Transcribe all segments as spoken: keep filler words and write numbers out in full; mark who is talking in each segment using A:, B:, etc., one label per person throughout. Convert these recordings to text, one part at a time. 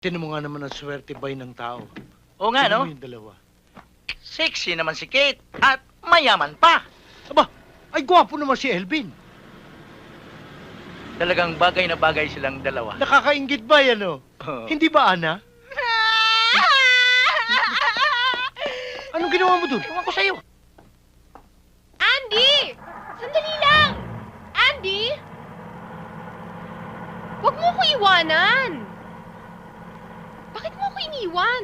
A: Tinan mo nga naman ang swerte bay ng tao.
B: Oo nga,
A: Tingnan
B: no?
A: mo yung dalawa.
B: Sexy naman si Kate. At mayaman pa.
A: Aba, ay gwapo naman si Elvin.
B: Talagang bagay na bagay silang dalawa.
A: Nakakaingit ba yan, oh?
B: Oo.
A: Hindi ba, Ana? Anong ginawa mo dun?
B: Ewan ko sa'yo.
C: Andy! Sandali lang! Andy! Huwag mo ko iwanan! Bakit mo ko iniwan?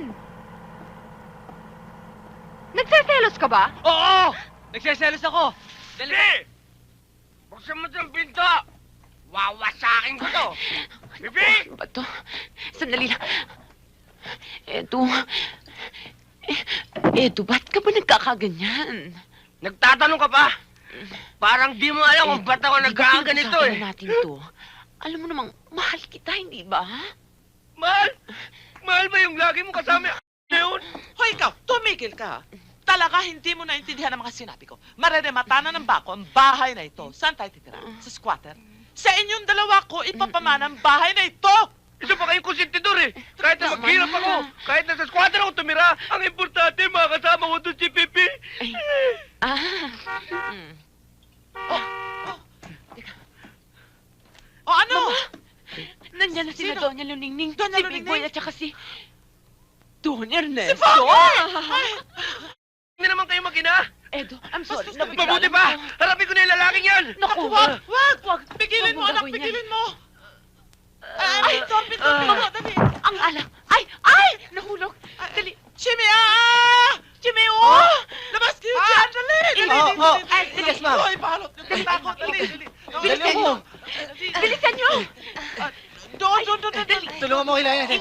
C: Nagseselos ka ba?
D: Oo! Nagseselos ako!
E: Dali! Buksan mo itong pinto! Wawasakin ko to! Bibi!
C: Ano ba to? Sandali lang. Eto... Eh, Eto, ba't ka ba nagkakaganyan?
E: Nagtatanong ka pa? Parang di mo alam kung ba't ako nagkakaganito
C: pinag-usapan
E: eh.
C: na natin to. Alam mo namang, mahal kita, hindi ba?
E: Mahal? Mahal ba yung lagi mo kasama na yun?
D: Hoy, ikaw! Tumigil ka! Talaga hindi mo naintindihan ang mga sinabi ko. Mareremata na ng bako ang bahay na ito. Saan tayo titira? Sa squatter? Sa inyong dalawa ko ipapamana ang bahay na ito!
E: Isa pa kayong konsentidor eh. Kahit na
C: Tama
E: maghirap
C: na.
E: ako, kahit na sa squatter ako tumira, ang importante, makakasama ko doon si Pipi.
C: Ay, ah, mm.
D: Oh! Oh! Teka. O ano?
C: Nandiyan na si
D: Sino?
C: Doña Luningning,
D: Doña
C: si Big
D: Luningning?
C: Boy at saka si... Don Ernesto.
D: Ay!
E: Hindi naman kayo mag-ina.
C: Edo, I'm sorry.
D: Basta-
C: nabigla
E: Mabuti
C: lang
E: pa!
C: ako.
E: Harapin ko na yung lalaking yan!
C: Naku,
D: Wag! Wag!
C: Wag!
D: Pigilin
C: Wag
D: mo,
C: mo
D: anak!
C: gagawin yan.
D: Pigilin mo! Ay, Tommy, Tommy,
E: Ah.
D: dali!
C: Ang alak. Ay! Ay! Nahulog. Dali.
D: Jimmy, ah! Jimmy, oh! Labas kayo dyan! Dali! Dali!
A: Oh,
D: dali,
A: oh.
D: dali,
C: Ay,
D: dali.
C: yes, ma'am.
D: Hoy, balot yung takot! Dali! Dali!
C: Bilisan
D: Dali,
C: nyo.
D: dali.
C: Bilisan nyo.
D: Doon, doon, doon, doon, dali!
A: Tulungan mo kailangan natin.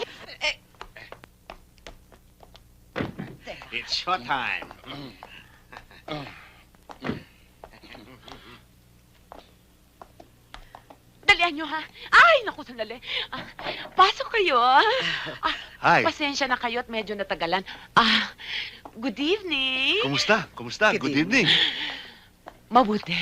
F: It's showtime.
C: Dalian nyo, ha? Ay, naku, sandali. Ah, pasok kayo, ah. Ah,
F: Hi.
C: pasensya na kayo at medyo natagalan. Ah, good evening.
F: Kumusta? Kumusta?
C: Good
F: Good evening.
C: Mabuti.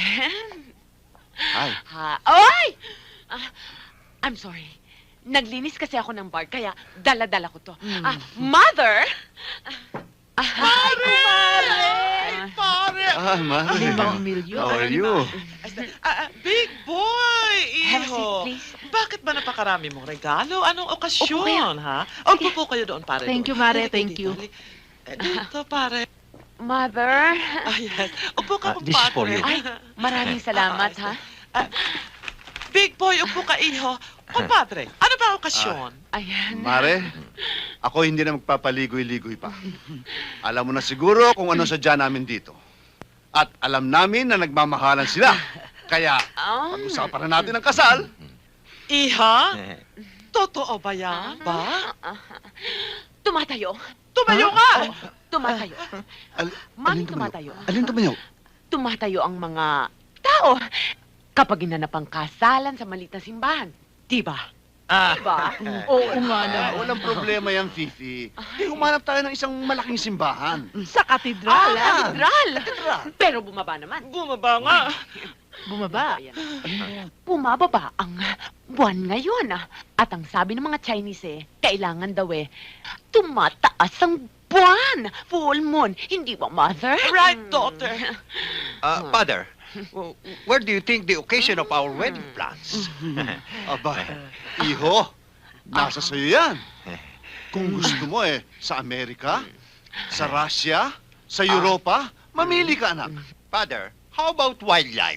F: Hi.
C: Ha? Ay! Ah, I'm sorry. Naglinis kasi ako ng bar, kaya dala-dala ko to. Ah, mother! Ah,
D: Pare!
C: Ah,
D: Pare!
F: Ah, Mari.
A: Limang milyon.
F: How are you?
D: Ah, ah, big boy!
C: Have a seat,
D: Iho!
C: please.
D: Bakit ba napakarami mong regalo? Anong
C: Opo,
D: okasyon, ha? O, upo kayo doon, pare.
G: Thank
D: doon.
G: you, Mare,
D: Halika
G: thank
D: dito,
G: you.
D: halika. Eh, Dito, pare.
C: Mother?
D: Ah, yes. Upo ka,
F: Ah, this is for
D: kumpadre.
F: you.
C: Ay, maraming salamat, ha?
D: Ah, big boy, upo ka, iho. Kumpadre, ano ba okasyon?
C: Ayan.
F: Mare, ako hindi na magpapaligoy-ligoy pa. Alam mo na siguro kung ano sadya namin dito. At alam namin na nagmamahalan sila. Kaya,
C: Oh.
F: pag-usapan na natin ang kasal.
D: Iha? Totoo ba yan? Ba?
C: Tumatayo.
D: Tumayo ka!
C: Tumatayo.
F: Al-
C: Mami,
F: alin tumayo?
C: tumatayo.
F: Alin tumayo?
C: Tumatayo ang mga tao kapag ginanap ang kasalan sa maliit na simbahan. Diba?
E: Ah,
C: Diba?
G: Oo nga
F: Ah,
G: naman.
F: walang problema yan, Fifi. Di humanap tayo ng isang malaking simbahan.
G: Sa katedral,
C: Ah,
G: ah.
C: katedral. Pero bumaba naman.
D: Bumaba nga.
G: Bumaba.
C: Ayan. Bumababa ang buwan ngayon. ah. At ang sabi ng mga Chinese eh, kailangan daw eh, tumataas ang buwan. Full moon. Hindi ba, mother?
D: Right,
C: Hmm.
D: daughter.
H: Uh, Father, w- where do you think the occasion of our wedding plans?
F: Aba, iho, nasa sa'yo yan. Kung gusto mo eh, sa Amerika, sa Russia, sa Europa, mamili ka, anak.
H: Father, how about wildlife?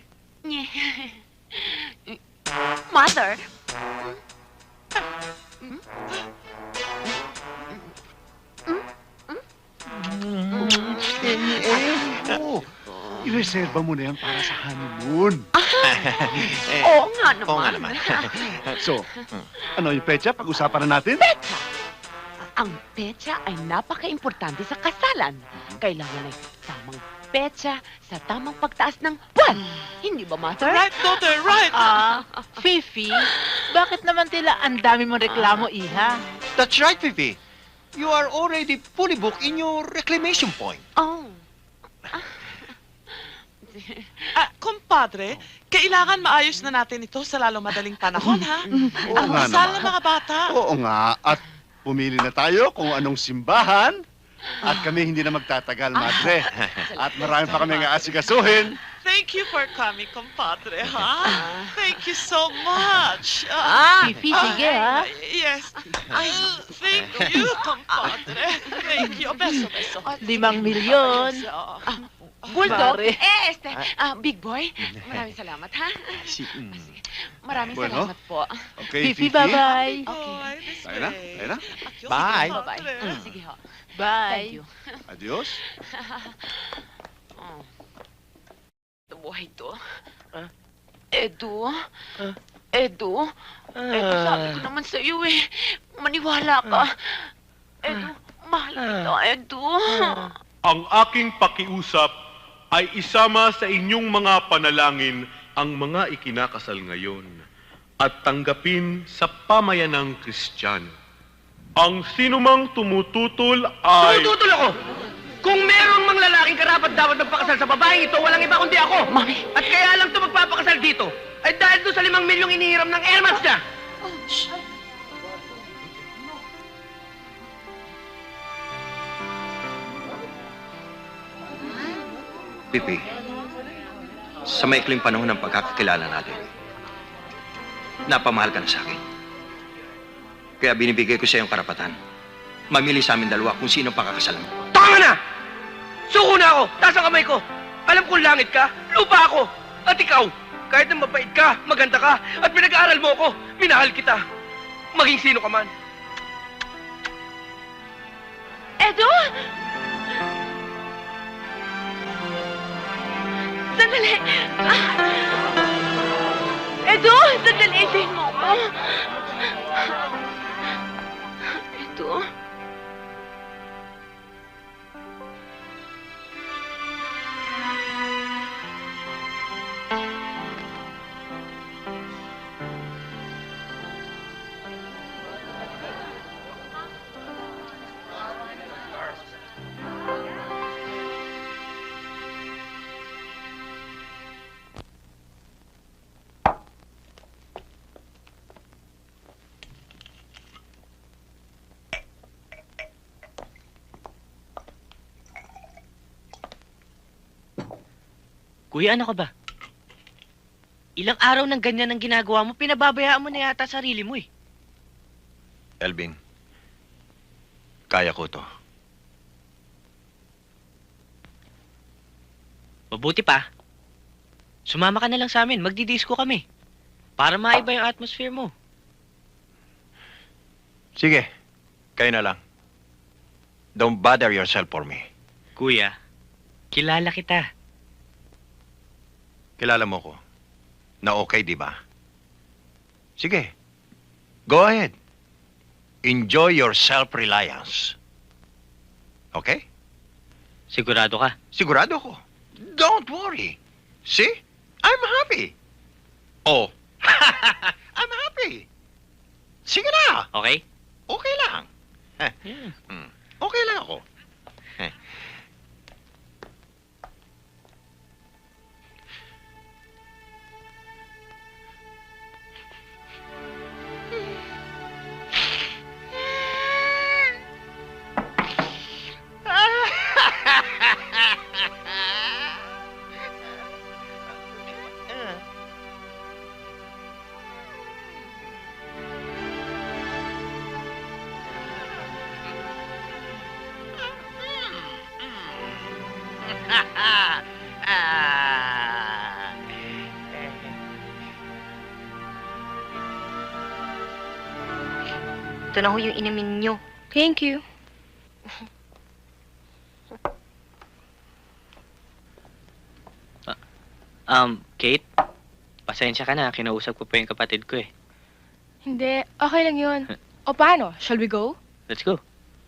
C: Mother?
F: Eh, oo. I-reserva mo na yan para sa honeymoon.
H: Eh,
C: Oo nga naman.
H: oo nga naman.
F: So, ano yung pecha? Pag-usapan na natin?
C: Petsa. Ang petsa ay napaka-importante sa kasalan. Kailangan ay tamang petsa sa tamang pagtaas ng buwan. Hindi ba, mother?
D: Right, daughter, right.
G: Ah, Fifi, bakit naman tila ang dami mong reklamo, iha?
H: That's right, Fifi. You are already fully booked in your reclamation point.
C: Oh.
D: Ah, kumpadre, kailangan maayos na natin ito sa lalong madaling panahon, ha?
F: Oo
D: Ang
F: nga
D: kasal
F: naman.
D: ng mga bata.
F: Oo nga, at pumili na tayo kung anong simbahan at kami hindi na magtatagal, Madre. At marami pa kami nga asikasuhin.
D: Thank you for coming, compadre, ha? Thank you so much.
C: Ah,
G: Fifi, sige, ha?
D: Yes. Ay, thank you, compadre. Thank you. Beso, beso.
G: Limang milyon.
D: Beso.
C: Bulldog,
G: Pare.
C: eh, este, ah, Big Boy, maraming salamat, ha?
H: Si, mm.
C: Maraming
F: Bueno.
C: salamat po.
F: Okay,
G: Fifi,
F: Fifi?
G: bye-bye.
D: Boy, this
F: Tayo na,
D: way.
F: tayo na.
D: Adios,
H: Bye.
D: compadre.
C: Mm, Sige ho. Thank
G: Bye.
C: you.
F: Adios.
C: Oh. Ito buhay to. Edu? Edu? Edu, sabi ko naman sa iyo eh. Maniwala ka. Edu, mahal kita, Edu.
I: Ang aking pakiusap ay isama sa inyong mga panalangin ang mga ikinakasal ngayon at tanggapin sa pamayanang Kristiyano. Ang sinumang tumututol ay...
E: Tututol ako! Kung merong mga lalaking karapat dapat magpakasal sa babaeng ito, walang iba kundi ako!
C: Mami.
E: At kaya lang ito magpapakasal dito, ay dahil doon sa limang milyong inihiram ng airmats niya!
H: Pipi, sa maikling panahon ng pagkakakilala natin, napamahal ka na sa akin. Kaya binibigay ko sa iyong karapatan. Mamili sa amin dalawa kung sino pakakasalan mo.
E: Tama na! Suko na ako! Taas ang kamay ko! Alam kong langit ka, lupa ako! At ikaw, kahit na mabait ka, maganda ka, at pinag-aaral mo ako, minahal kita. Maging sino ka man.
C: Edu! Sandali! Ah! Edu! Sandali! Isayin mo ako! Edu?
A: Kuya, ano ka ba? Ilang araw ng ganyan ang ginagawa mo, pinababayaan mo na yata sarili mo eh.
H: Elvin, kaya ko to.
A: Mabuti pa. Sumama ka na lang sa amin, magdidisco kami. Para maiba yung atmosphere mo.
H: Sige, kayo na lang. Don't bother yourself for me.
A: Kuya, kilala kita.
H: Kilala mo ko na okay, di ba? Sige, go ahead. Enjoy your self-reliance. Okay?
A: Sigurado ka?
H: Sigurado ko. Don't worry. See? I'm happy. Oh, I'm happy. Sige na.
A: Okay?
H: Okay lang.
A: Yeah.
H: Hmm. Okay lang ako.
J: Ito na ho yung inumin nyo. Thank you.
A: Um, Kate, pasensya ka na, kinausap ko pa yung kapatid ko eh.
J: Hindi, okay lang yun. O paano? Shall we go?
A: Let's go.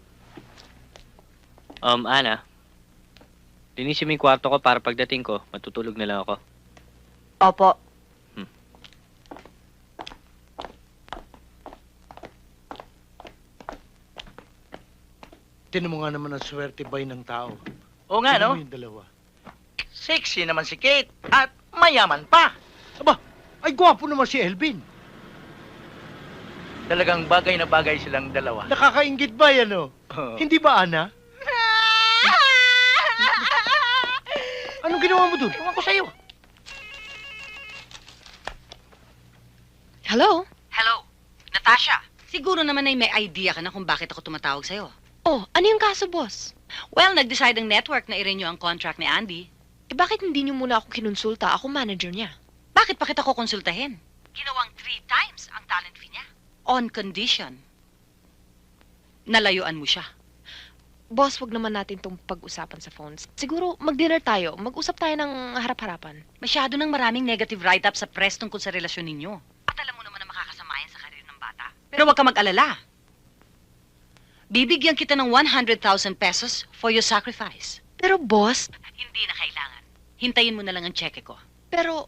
A: Um, Ana, linisin mo yung kwarto ko para pagdating ko, matutulog na lang ako.
J: Opo.
A: Tinan mo nga naman ang swerte bay ng tao.
B: Oo nga, no?
A: Tingnan mo yung dalawa.
B: Sexy naman si Kate at mayaman pa.
A: Aba, ay gwapo naman si Elvin.
B: Talagang bagay na bagay silang dalawa.
E: Nakakaingit ba yan, oh?
B: Oo.
E: Hindi ba, Ana? Anong ginawa mo dun?
B: Ewan ko sa'yo.
J: Hello?
C: Hello, Natasha. Siguro naman ay may idea ka na kung bakit ako tumatawag sa'yo.
J: Oh, ano yung kaso, boss?
C: Well, nag-decide ang network na i-renew ang contract ni Andy.
J: Eh, bakit hindi niyo muna ako kinonsulta? Ako manager niya.
C: Bakit pa kita ko konsultahin? Ginawang three times ang talent fee niya. On condition. Nalayuan mo siya.
J: Boss, wag naman natin itong pag-usapan sa phones. Siguro, mag-dinner tayo. Mag-usap tayo ng harap-harapan.
C: Masyado nang maraming negative write-up sa press tungkol sa relasyon ninyo. At alam mo naman na makakasama yan sa karir ng bata. Pero huwag ka mag-alala. Bibigyan kita ng one hundred thousand pesos for your sacrifice.
J: Pero, boss,
C: Hindi na kailangan. Hintayin mo na lang ang cheque ko.
J: pero...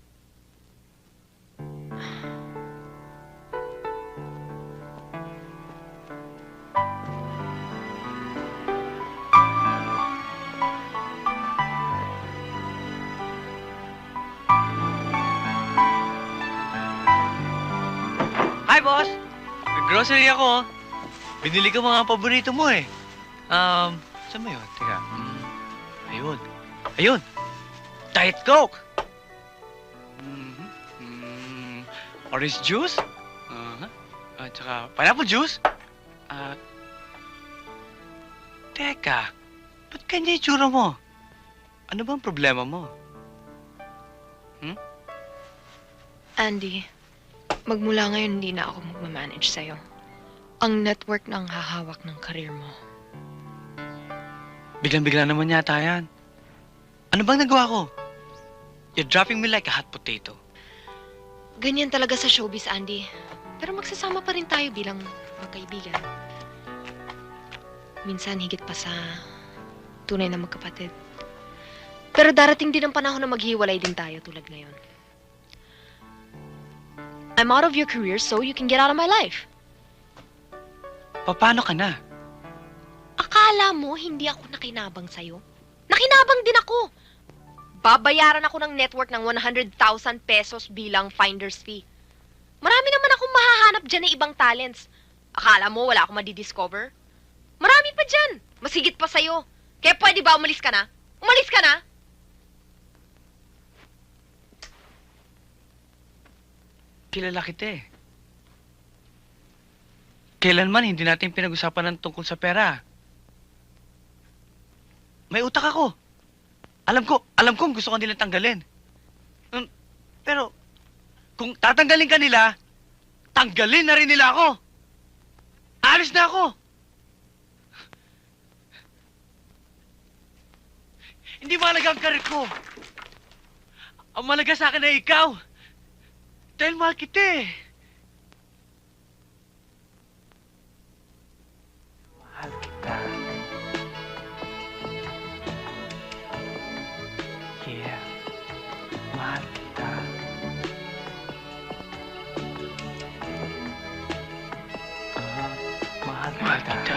A: Hi, boss! Nag-grocery ako. Binili ko mga paborito mo eh. Um, saan mo yun? Teka. Mm, ayun. Ayun! Diet Coke! Mhm. Mm, orange juice? Uh-huh. At saka pineapple juice? At... Teka, ba't kanya yung tsura mo? Ano bang problema mo?
J: Andy, magmula ngayon hindi na ako magmamanage sa'yo. Ang network na ang hahawak ng karir mo.
A: Biglang-bigla naman yata yan. Ano bang nagawa ko? You're dropping me like a hot potato.
J: Ganyan talaga sa showbiz, Andy. Pero magsasama pa rin tayo bilang magkaibigan. Minsan higit pa sa tunay na magkapatid. Pero darating din ang panahon na maghiwalay din tayo tulad ngayon. I'm out of your career so you can get out of my life.
A: Paano ka na?
J: Akala mo hindi ako nakinabang sa'yo? Nakinabang din ako! Babayaran ako ng network ng one hundred thousand pesos bilang finder's fee. Marami naman akong mahahanap dyan na ibang talents. Akala mo wala akong madidiscover? Marami pa dyan! Masigit pa sa'yo. Kaya pwede ba umalis ka na? Umalis ka na!
A: Kilala kita eh. Kailanman hindi natin pinag-usapan ng tungkol sa pera. May utak ako. Alam ko, alam ko gusto ko nilang tanggalin. Um, pero, kung tatanggalin ka nila, tanggalin na rin nila ako. Alis na ako. Hindi mahalaga ang karir ko. Ang mahalaga sa akin ay ikaw. Dahil mahal kita eh. Mahal kita. Yeah. Mahal kita. Ah, mahal kita. Mahal kita.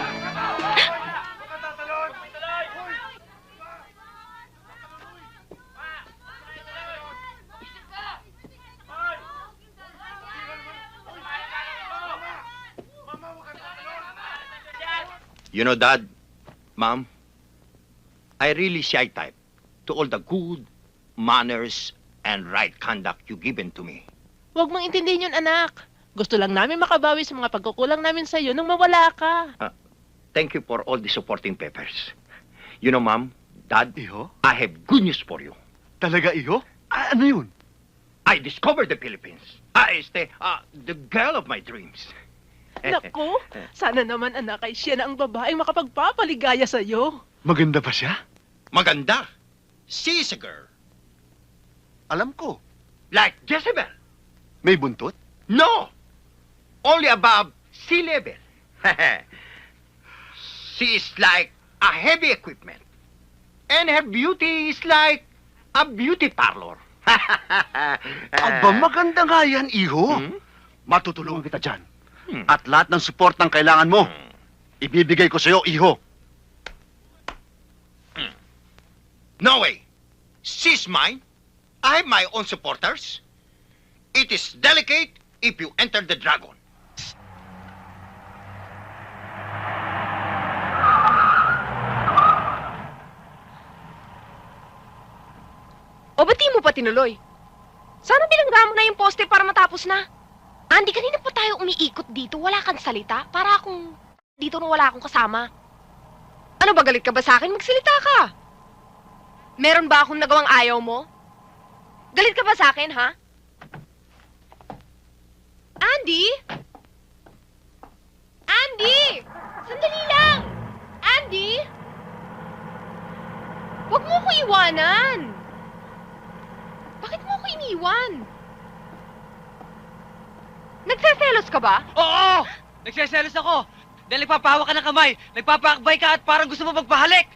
H: You know, Dad, Mom, I really shy type to all the good manners and right conduct you given to me.
G: Huwag mong intindihin yun, anak. Gusto lang namin makabawi sa mga pagkukulang namin sa'yo nung mawala ka.
H: Thank you for all the supporting papers. You know, Mom, Dad,
F: Iho?
H: I have good news for you.
F: Talaga, Iho? A- ano yun?
H: I discovered the Philippines. I stay, uh, the girl of my dreams.
G: Naku, sana naman, anak, ay siya na ang babaeng makapagpapaligaya sa'yo.
F: Maganda ba siya?
H: Maganda. She is a girl.
F: Alam ko.
H: Like Jezebel.
F: May buntot?
H: No. Only above sea level. She is like a heavy equipment. And her beauty is like a beauty parlor.
F: Aba, maganda nga yan, Iho.
H: Hmm?
F: Matutulungan kita dyan.
H: Hmm.
F: At lahat ng support ng kailangan mo, ibibigay ko sa'yo, Iho.
H: No way. She's mine. I have my own supporters. It is delicate if you enter the dragon.
J: tinuloy? Sana bilangga mo na yung poste para matapos na. Andy, kanina pa tayo umiikot dito. Wala kang salita. Para akong dito na wala akong kasama. Ano ba, galit ka ba sa akin? Magsalita ka. Meron ba akong nagawang ayaw mo? Galit ka ba sa akin, ha? Andy? Andy! Sandali lang! Andy! Huwag mo ko iwanan! Bakit mo ko iniwan? Nagseselos ka ba?
A: Oo! Nagseselos ako! Dahil nagpapahawa ka ng kamay, nagpapaakbay ka at parang gusto mo magpahalik!